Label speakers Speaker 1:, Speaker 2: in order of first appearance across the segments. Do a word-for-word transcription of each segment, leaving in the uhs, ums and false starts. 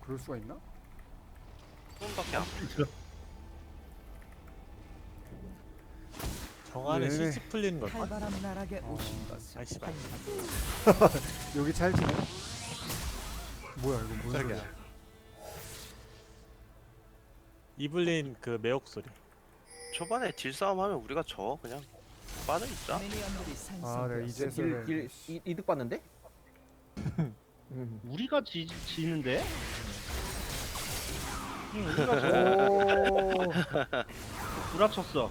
Speaker 1: 그럴 수가 있나?
Speaker 2: 손밖에 안
Speaker 3: 정안에
Speaker 1: 네네.
Speaker 3: 시스 풀리는 걸 봐.
Speaker 4: 칼바람 나락에
Speaker 1: 어.
Speaker 4: 오신 것을
Speaker 3: 아이씨,
Speaker 4: 환영합니다.
Speaker 1: 여기 찰지네? 뭐야 이거 뭔
Speaker 3: 저기야.
Speaker 1: 소리야?
Speaker 3: 이블린 그 매혹 소리.
Speaker 2: 초반에 딜 싸움 하면 우리가 져 그냥 빠져 있자.
Speaker 4: 미니언들이
Speaker 1: 아 내가 이제
Speaker 4: 상승되었습니다.
Speaker 1: 했어야
Speaker 5: 길, 길, 이, 이득 봤는데? 음.
Speaker 6: 우리가 지, 지는데? 응, 우리가 져.
Speaker 1: 오
Speaker 6: 구라쳤어.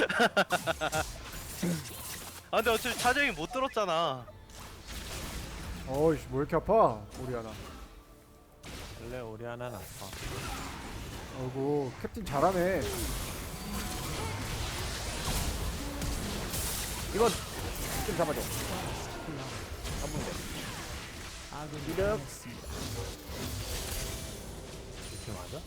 Speaker 2: 아 근데 어차피 차정이 못 들었잖아.
Speaker 1: 어이씨 뭐 이렇게 아파? 우리 하나.
Speaker 3: 원래 우리 하나는 아파.
Speaker 1: 어이구 캡틴 잘하네.
Speaker 5: 이거 좀 잡아줘. 잡으면 돼.
Speaker 4: 아군이
Speaker 5: 이득.
Speaker 4: 당했습니다.
Speaker 3: 이렇게 맞아?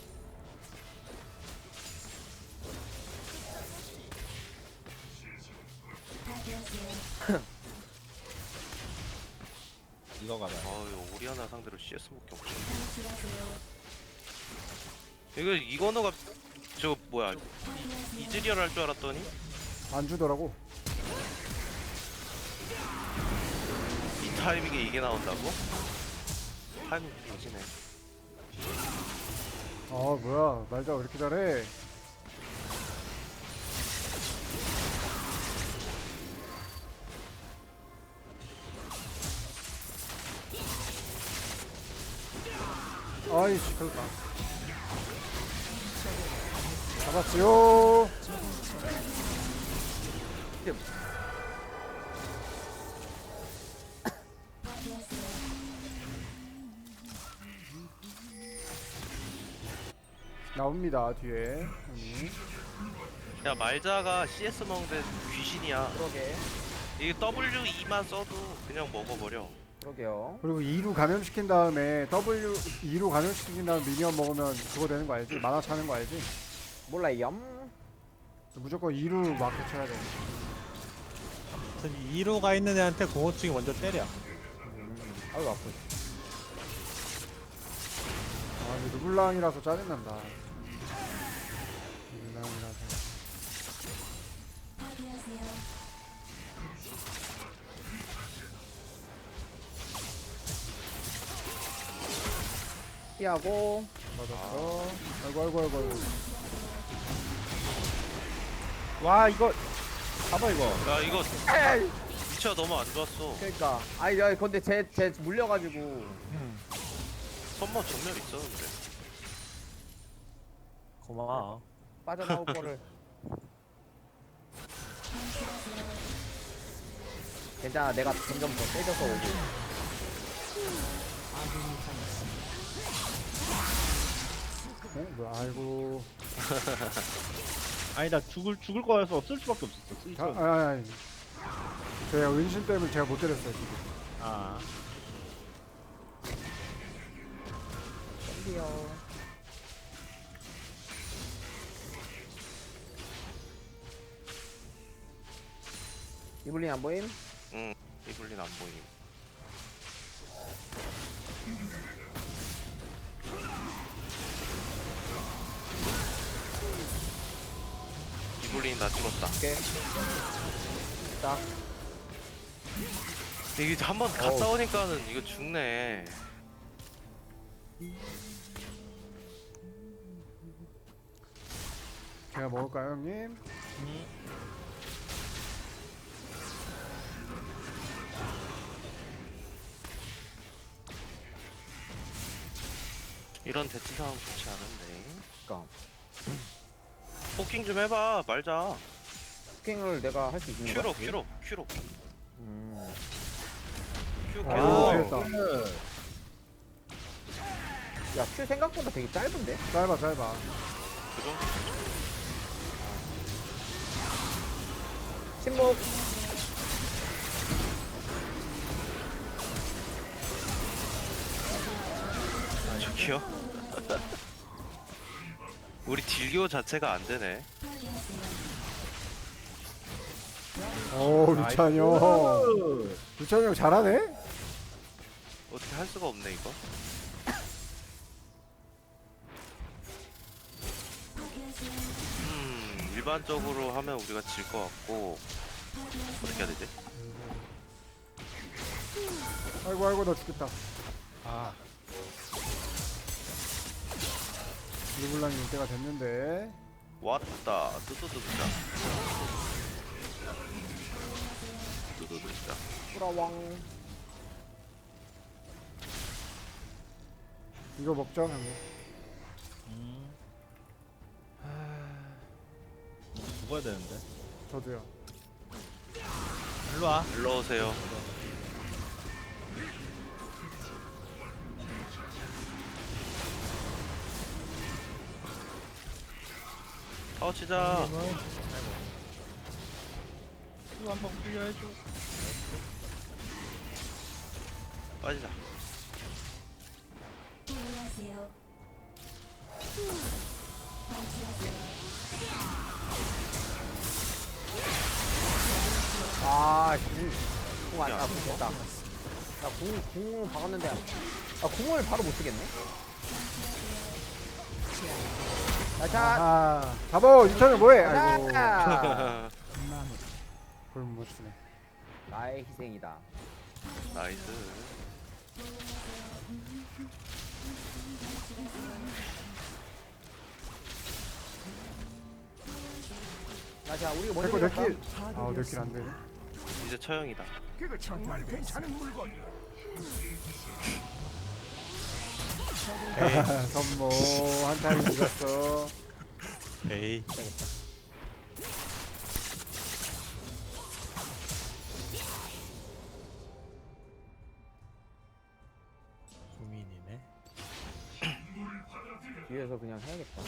Speaker 6: 이거 가자.
Speaker 2: 아 이거 오리아나 상대로 씨에스 먹기 없지. 이거 이거너가 저 뭐야 이- 이즈리얼 할 줄 알았더니
Speaker 1: 안 주더라고.
Speaker 2: 이 타이밍에 이게 나온다고? 타이밍 개지네.
Speaker 1: 아 뭐야 말자 왜 이렇게 잘해? 아이씨 그렇다. 잡았지요. 나옵니다 뒤에 형님.
Speaker 2: 야 말자가 씨에스 먹는데 귀신이야.
Speaker 5: 그러게.
Speaker 2: 이게 더블유 이만 써도 그냥 먹어버려.
Speaker 5: 그러게요.
Speaker 1: 그리고 이로 감염시킨 다음에 W 이로 감염시킨 다음 미니언 먹으면 그거 되는 거 알지? 만화 차는 거 알지?
Speaker 5: 몰라, 염.
Speaker 1: 무조건 이로 마크 쳐야 돼.
Speaker 3: 저기 이 로 가 있는 애한테 공허증이 먼저 때려.
Speaker 5: 아유, 아프.
Speaker 1: 아 근데 르블랑이라서 짜증난다. 르블랑이라서.
Speaker 5: 피하고.
Speaker 1: 맞았어. 아이고 아이고 아이고 아이고.
Speaker 6: 와, 이거. 봐봐, 이거.
Speaker 2: 야 이거
Speaker 5: 에이!
Speaker 2: 위치가 너무 안 좋았어.
Speaker 5: 그러니까. 아니, 야, 근데 쟤, 쟤 물려가지고.
Speaker 2: 선모 전멸 있었는데.
Speaker 3: 고마워.
Speaker 5: 빠져나올 거를. 괜찮아, 내가 점점 더 세져서 오고.
Speaker 4: 아군이 당했습니다.
Speaker 1: 어? 뭐야 아이고.
Speaker 6: 아니, 나 죽을, 죽을 거여서 쓸 수밖에 없었어. 쓸
Speaker 1: 자,
Speaker 6: 수.
Speaker 1: 아니 아니. 제가 은신 때문에 제가 못 때렸어요 지금.
Speaker 6: 아.
Speaker 5: 땡기요. 이블린 안 보임?
Speaker 2: 응. 이블린 안 보임. 이블린 나 찍었다.
Speaker 5: 오케이. 딱.
Speaker 2: 이게 한 번 갔다 오니까는 이거 죽네.
Speaker 1: 제가 먹을까요 형님?
Speaker 2: 이런 대치 상황 좋지 않은데.
Speaker 5: 그니까.
Speaker 2: 포킹 좀 해봐. 말자.
Speaker 5: 스킹을 내가 할 수 있는 거야?
Speaker 2: 큐로 큐로 큐로
Speaker 5: 음.
Speaker 2: 큐
Speaker 1: 아,
Speaker 2: 계속.
Speaker 1: 됐다.
Speaker 5: 야, 큐 생각보다 되게 짧은데?
Speaker 1: 짧아 짧아.
Speaker 2: 그 정도.
Speaker 5: 침묵.
Speaker 2: 저기요. 우리 딜교 자체가 안 되네.
Speaker 1: 오 루찬이 형. 루찬이 형 잘하네?
Speaker 2: 어떻게 할 수가 없네 이거. 일반적으로 하면 우리가 질 것 같고 어떻게 해야 되지?
Speaker 1: 아이고 아이고 너 죽겠다.
Speaker 3: 아
Speaker 1: 르블랑이 올 때가 됐는데.
Speaker 2: 왔다. 뚜두두두자. 뚜두두두자.
Speaker 5: 뿌라왕.
Speaker 1: 이거 먹죠 형님.
Speaker 3: 음.
Speaker 6: 죽어야 되는데.
Speaker 1: 저도요.
Speaker 3: 일로 와.
Speaker 2: 일로 오세요. 어 치자.
Speaker 6: 이거 한번 클리어해줘.
Speaker 2: 빠지자.
Speaker 5: 아, 궁, 안, 아, 궁 됐다. 나 궁, 궁 박았는데, 아, 궁을 바로 못 쓰겠네? 자, 자,
Speaker 1: 아 잡어 유천을 뭐해? 아이고
Speaker 5: 자!
Speaker 4: 마무리.
Speaker 1: 볼못 쓰네.
Speaker 5: 나의 희생이다.
Speaker 2: 나이스.
Speaker 5: 자, 자, 우리가 먼저
Speaker 1: 됐고
Speaker 5: 밀었다.
Speaker 1: 내킬. 아우 내킬 안 되네.
Speaker 2: 이제 처형이다.
Speaker 1: 선모 한 타임 죽었어.
Speaker 3: 에이. 고민이네.
Speaker 5: 뒤에서 그냥 해야겠다.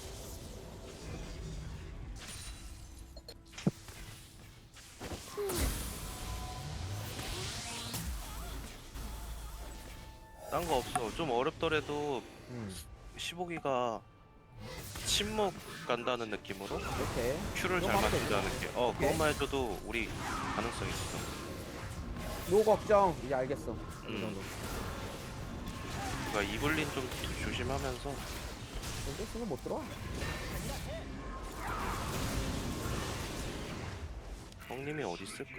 Speaker 2: 딴 거 없어. 좀 어렵더라도
Speaker 5: 음,
Speaker 2: 십오 기가 침묵 간다는 느낌으로
Speaker 5: 이렇게.
Speaker 2: 큐를 잘
Speaker 5: 그거 하면
Speaker 2: 맞춘다는 게. 어
Speaker 5: 오케이.
Speaker 2: 그것만 해줘도 우리 가능성 있어.
Speaker 5: 노 걱정. 이제 알겠어. 이
Speaker 2: 음.
Speaker 5: 정도.
Speaker 2: 그러니까 이블린 좀 조심하면서.
Speaker 5: 근데 쓰면 못 들어와.
Speaker 2: 형님이 어디 있을까?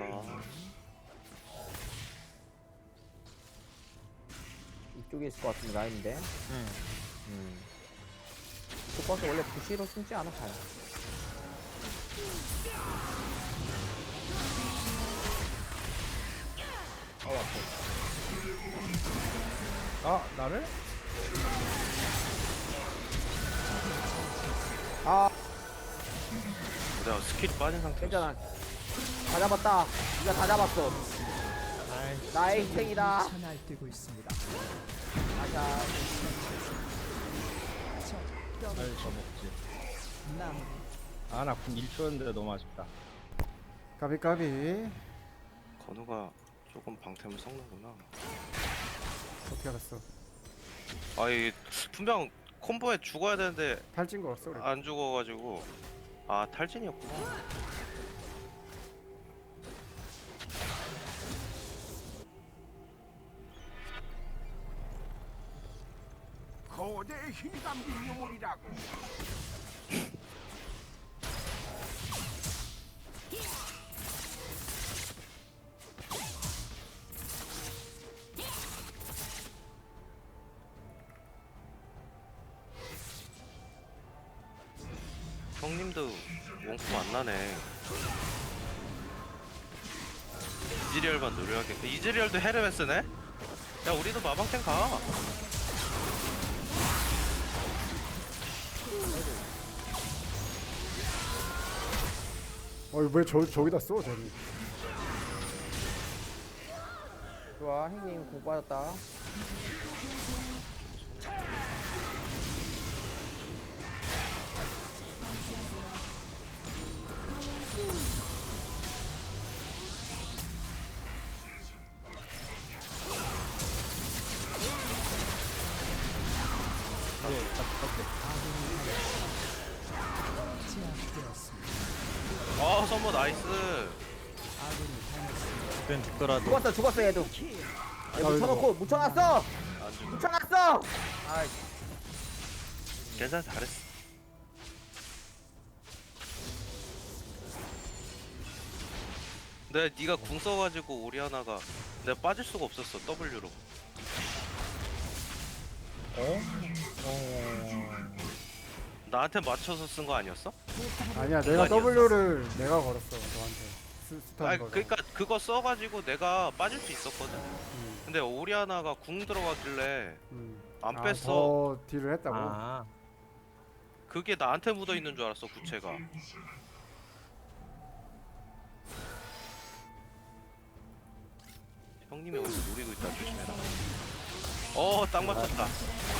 Speaker 5: 이쪽에 있을 것 같은 라인인데.
Speaker 3: 응.
Speaker 5: 음. 조커스 원래 부시로 숨지 않아 잘. 어, 아파.
Speaker 6: 아, 나를?
Speaker 5: 아,
Speaker 2: 내가 스킬 빠진 상태.
Speaker 5: 괜찮아. 다 잡았다. 네가 다 잡았어.
Speaker 3: 아이.
Speaker 5: 나의 희생이다.
Speaker 4: 천알뛰고 있습니다.
Speaker 5: 아자.
Speaker 6: 빨리 저 먹지.
Speaker 4: 마무리.
Speaker 6: 아, 나 궁 일 초였는데 너무 아쉽다.
Speaker 1: 까비 까비.
Speaker 2: 건우가 조금 방템을 섞는구나.
Speaker 1: 어떻게 알았어?
Speaker 2: 아이 분명 콤보에 죽어야 되는데
Speaker 1: 탈진 거였어 그래.
Speaker 2: 안 죽어가지고. 아 탈진이었구나.
Speaker 7: 거대 힘이 담긴 유물이라고.
Speaker 2: 형님도 원콤 안 나네. 이즈리얼만 노려야겠다. 이즈리얼도 헤르메스네? 야 우리도 마방템 가.
Speaker 1: 어이 왜저 저기다 써 저기.
Speaker 5: 좋아, 형님 공 빠졌다.
Speaker 4: 제압되었습니다.
Speaker 2: 아 선모 나이스.
Speaker 4: 아군이 당했습니다.
Speaker 3: 그땐 죽더라도.
Speaker 5: 죽었어, 죽었어 얘도. 얘 묻혀놓고 묻혀놨어.
Speaker 2: 안 죽어.
Speaker 5: 묻혀놨어. 아이,
Speaker 2: 괜찮아 잘했어. 내가 네가 궁 써가지고 오리아나가 내가 빠질 수가 없었어 W로.
Speaker 6: 어? 어...
Speaker 2: 나한테 맞춰서 쓴 거 아니었어?
Speaker 1: 아니야 내가
Speaker 2: 아니었어.
Speaker 1: W를 내가 걸었어 너한테. 스, 스턴
Speaker 2: 아
Speaker 1: 거를.
Speaker 2: 그러니까 그거 써가지고 내가 빠질 수 있었거든.
Speaker 1: 음,
Speaker 2: 근데 오리아나가 궁 들어가길래
Speaker 1: 음.
Speaker 2: 안
Speaker 1: 아,
Speaker 2: 뺐어.
Speaker 1: 더 딜을 했다고?
Speaker 3: 아
Speaker 2: 그게 나한테 묻어 있는 줄 알았어 구체가. 형님이 어디서 노리고 있다 조심해라. 어, 딱 맞췄다.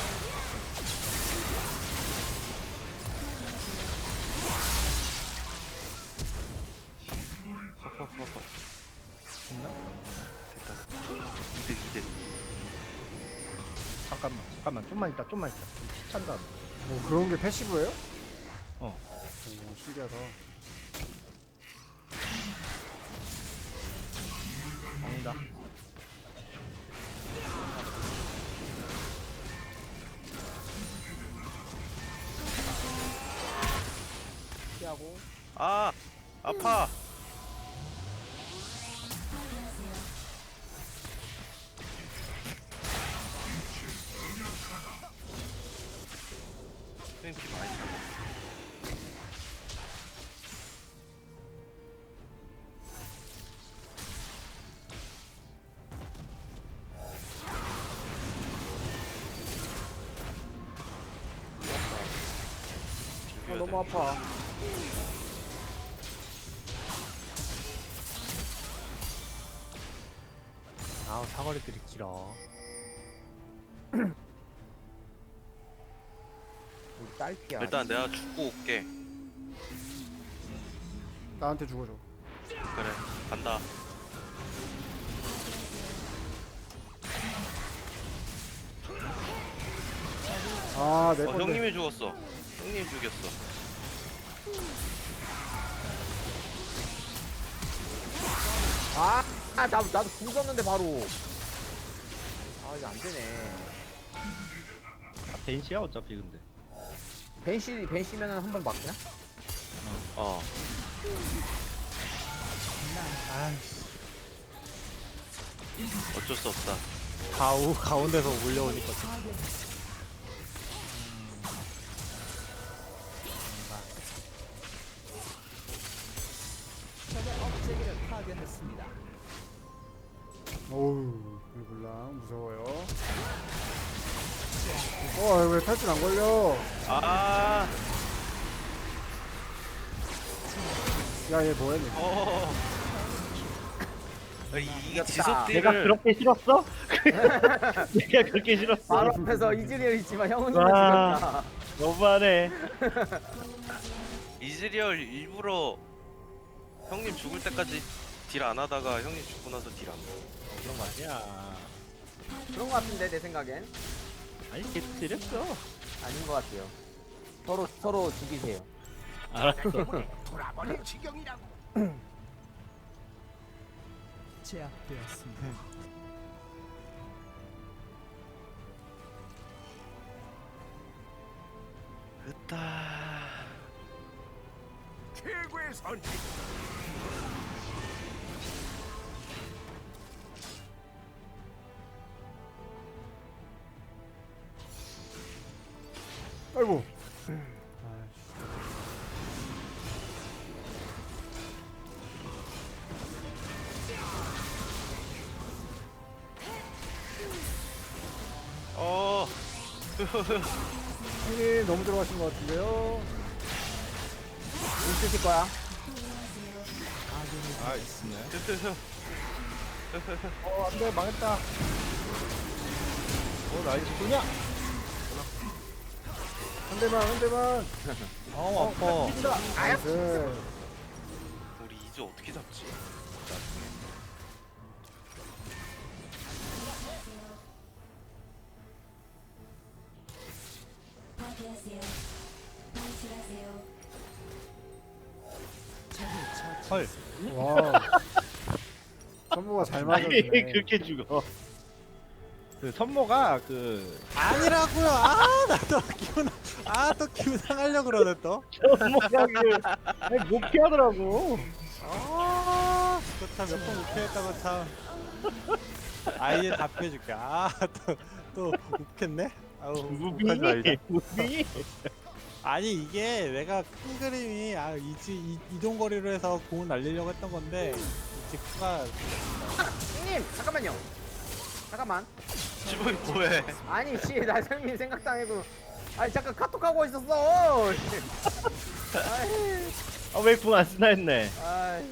Speaker 2: 허허허허.
Speaker 6: 됐나?
Speaker 2: 됐다. 이득 이득.
Speaker 6: 잠깐만 잠깐만 좀만 있다 좀만 있다 찬다.
Speaker 1: 뭐 그런 게 패시브예요?
Speaker 6: 어.
Speaker 1: 오, 신기하다.
Speaker 6: 아니다.
Speaker 5: 피하고.
Speaker 2: 아, 아파. 피 많이 차.
Speaker 5: 아, 너무 아파.
Speaker 3: 아우 사거리들이 길어.
Speaker 5: 우리 딸피야.
Speaker 2: 일단 내가 죽고 올게.
Speaker 1: 나한테 죽어줘.
Speaker 2: 그래, 간다.
Speaker 1: 아, 내
Speaker 2: 어,
Speaker 1: 건데.
Speaker 2: 형님이 죽었어. 형님이 죽였어.
Speaker 5: 아, 아, 나, 나도 궁 썼는데 바로. 아, 이거 안 되네.
Speaker 6: 아, 벤시야 어차피 근데.
Speaker 5: 벤시, 벤시면은 한 번 막히나?
Speaker 2: 어.
Speaker 3: 아이씨
Speaker 2: 어쩔 수 없다.
Speaker 3: 가우 가운데서 몰려오니까 좀.
Speaker 4: 적의 업체계를 파괴했습니다.
Speaker 1: 어우, 불불랑 무서워요. 어, 왜 탈진 안 걸려?
Speaker 2: 아,
Speaker 1: 야, 얘 뭐했니?
Speaker 2: 어. 이- 이게
Speaker 5: 이겼다.
Speaker 2: 지속딜을
Speaker 6: 내가 그렇게 싫었어? 내가 그렇게 싫었어?
Speaker 5: 바로 앞에서 이즈리얼 있지만 형은 이거
Speaker 6: 와.
Speaker 5: 죽였다.
Speaker 6: 너무하네.
Speaker 2: 이즈리얼 일부러 형님 죽을 때까지 딜 안 하다가 형님 죽고 나서 딜 안 해.
Speaker 6: 그런 거 아니야.
Speaker 5: 그런 거 같은데, 내 생각엔.
Speaker 6: 아니 계속 지렸어.
Speaker 5: 아닌 것 같아요. 서로, 서로 죽이세요.
Speaker 6: 알았어.
Speaker 7: 돌아버릴 지경이라고.
Speaker 4: 제압되었습니다.
Speaker 2: 으따.
Speaker 7: 최고의 선택.
Speaker 1: 아이고.
Speaker 2: 어.
Speaker 1: 형님 너무 들어가신 것 같은데요?
Speaker 5: 있으실 거야.
Speaker 3: 아 있네.
Speaker 6: 어 안돼 망했다.
Speaker 3: 어 나이스 뭐냐?
Speaker 1: 한 대만, 한 대만.
Speaker 3: 어 아파.
Speaker 1: 나이스.
Speaker 2: 우리 이즈 어떻게 잡지?
Speaker 3: 헐.
Speaker 1: 와. 선보가 잘
Speaker 6: 아니
Speaker 1: 맞았네.
Speaker 6: 그렇게 죽어. 그 선모가 그
Speaker 3: 아니라고요. 아 나도 기분 아또 기분 상하려 그러네 또.
Speaker 6: 선모가 그 아니 못 피하더라고.
Speaker 3: 아 또참몇번 웃겨했다고 참. 아 이제 답해줄게. 아또또 웃겠네. 아우 웃하지 말자.
Speaker 6: 무빙이 무빙이
Speaker 3: 아니 이게 내가 큰 그림이 아 이지 이- 이동 거리로 해서 공을 날리려고 했던 건데 이 직수가
Speaker 5: 형님 잠깐만요. 잠깐만.
Speaker 2: 지붕이 뭐해?
Speaker 5: 아니 씨, 나 형님 생각도 안 해고. 아니 잠깐 카톡 하고 있었어. 아이,
Speaker 6: 아왜 궁 안 쓰나 했네.
Speaker 5: 아이.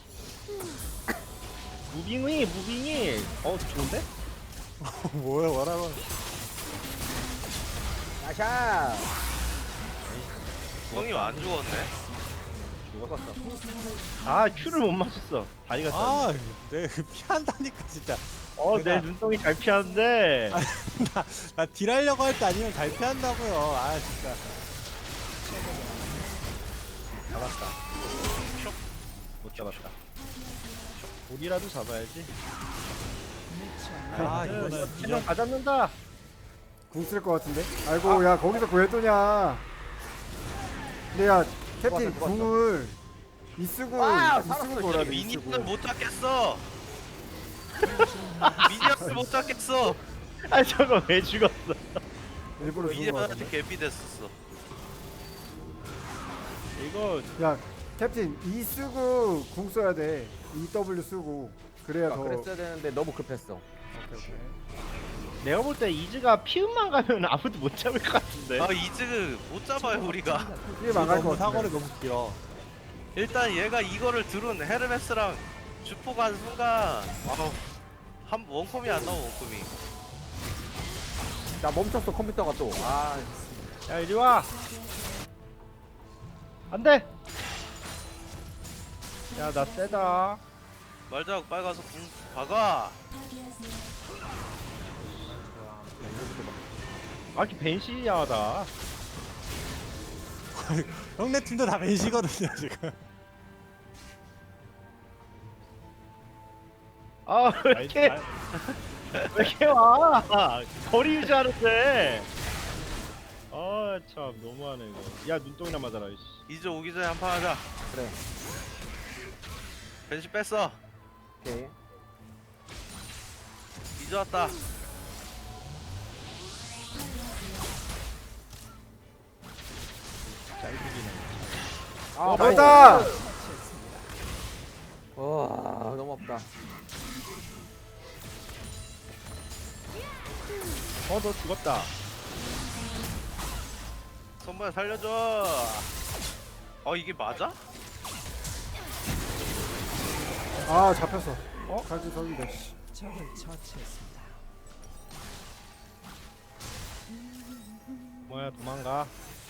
Speaker 6: 무빙이 무빙이 어 좋은데?
Speaker 3: 뭐야 뭐라고.
Speaker 5: 나샤.
Speaker 2: 형님 안 죽었네.
Speaker 5: 죽었어.
Speaker 6: 아 큐를 못 맞췄어. 다리가 아,
Speaker 3: 아내 피한다니까 진짜.
Speaker 6: 어내
Speaker 3: 내가-
Speaker 6: 눈덩이 잘 피하는데.
Speaker 3: 나, 나 딜하려고 할 때 아니면 잘 피한다고요. 아 진짜.
Speaker 6: 잡았다. 못 잡았다. 우리라도 잡아야지.
Speaker 3: 아 이거는
Speaker 6: 그냥 다 잡는다.
Speaker 1: 궁 쓸 것 같은데? 아이고 야 거기서 왜 또냐? 근데 야 캡틴
Speaker 5: 좋았어, 좋았어.
Speaker 1: 궁을 이 쓰고
Speaker 5: 와,
Speaker 1: 이
Speaker 5: 살았어.
Speaker 1: 쓰고 뭐라 돼? 이
Speaker 2: 미니언을
Speaker 1: 쓰고.
Speaker 2: 못 잡겠어. 미니언을 못 잡겠어.
Speaker 6: 아 저거 왜 죽었어?
Speaker 1: 일부러 죽은 것
Speaker 2: 미니언한테
Speaker 1: 같은데?
Speaker 2: 개피 됐었어.
Speaker 6: 이거
Speaker 1: 야 캡틴 이 쓰고 궁 써야 돼. 이 더블유 쓰고 그래야
Speaker 5: 아,
Speaker 1: 더.
Speaker 5: 그랬어야 되는데 너무 급했어.
Speaker 1: 오케이 오케이.
Speaker 6: 내가 볼 때 이즈가 피음만 가면 아무도 못 잡을 것 같은데.
Speaker 2: 아 이즈 못 잡아요 우리가.
Speaker 1: 이게 망할 것
Speaker 3: 너무
Speaker 1: 같아.
Speaker 3: 사거리 너무 길어.
Speaker 2: 일단 얘가 이거를 들은 헤르메스랑 주포 간 순간 아우 한 원콤이 안 나와 원콤이.
Speaker 5: 나 멈췄어 컴퓨터가 또. 아,
Speaker 6: 야 이리 와. 안돼. 야 나 세다.
Speaker 2: 말자고 빨가서 궁 박아.
Speaker 6: 아 이렇게 벤시야하다.
Speaker 3: 형네 팀도 다 벤시거든요 지금.
Speaker 6: 아왜 이렇게
Speaker 3: 아이,
Speaker 6: 왜 이렇게 와? 거리 유지하는데. 아 참 너무하네 이거. 야 눈덩이나 맞아라. 이씨.
Speaker 2: 이제 오기 전에 한판 하자.
Speaker 5: 그래.
Speaker 2: 벤시 뺐어.
Speaker 5: 오케이.
Speaker 2: 이제 왔다.
Speaker 5: 아,
Speaker 1: 맞다.
Speaker 5: 와, 너무 없다.
Speaker 6: 어 너 죽었다.
Speaker 2: 선발 살려줘. 어 이게 맞아?
Speaker 1: 아 잡혔어. 어? 가지 저기다. 씨.
Speaker 4: 적을 처치했습니다.
Speaker 6: 뭐야 도망가.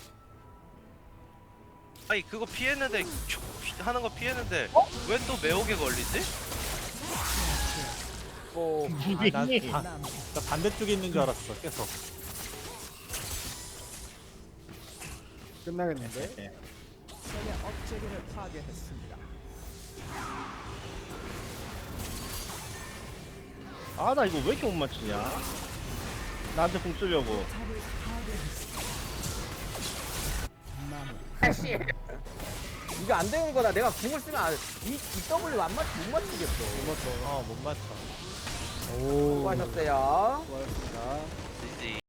Speaker 2: 아니 그거 피했는데 슉 피- 하는 거 피했는데 왜 또 매혹에 걸리지?
Speaker 5: 뭐
Speaker 6: 무빙이.
Speaker 3: 아, 나 반대쪽에 있는 줄 알았어 계속.
Speaker 1: 끝나겠는데?
Speaker 4: 적의 업체계를 파괴했습니다.
Speaker 6: 아 나 이거 왜 이렇게 못 맞추냐? 나한테 공 쏘려고.
Speaker 4: 마무리.
Speaker 5: 아씨. 이거 안 되는 거다. 내가 궁을 쓰면 안, 이, 이 W 안 맞, 못 맞추겠어.
Speaker 3: 어못 맞춰.
Speaker 1: 오.
Speaker 5: 수고하셨어요.
Speaker 1: 수고하셨습니다.
Speaker 2: 지지.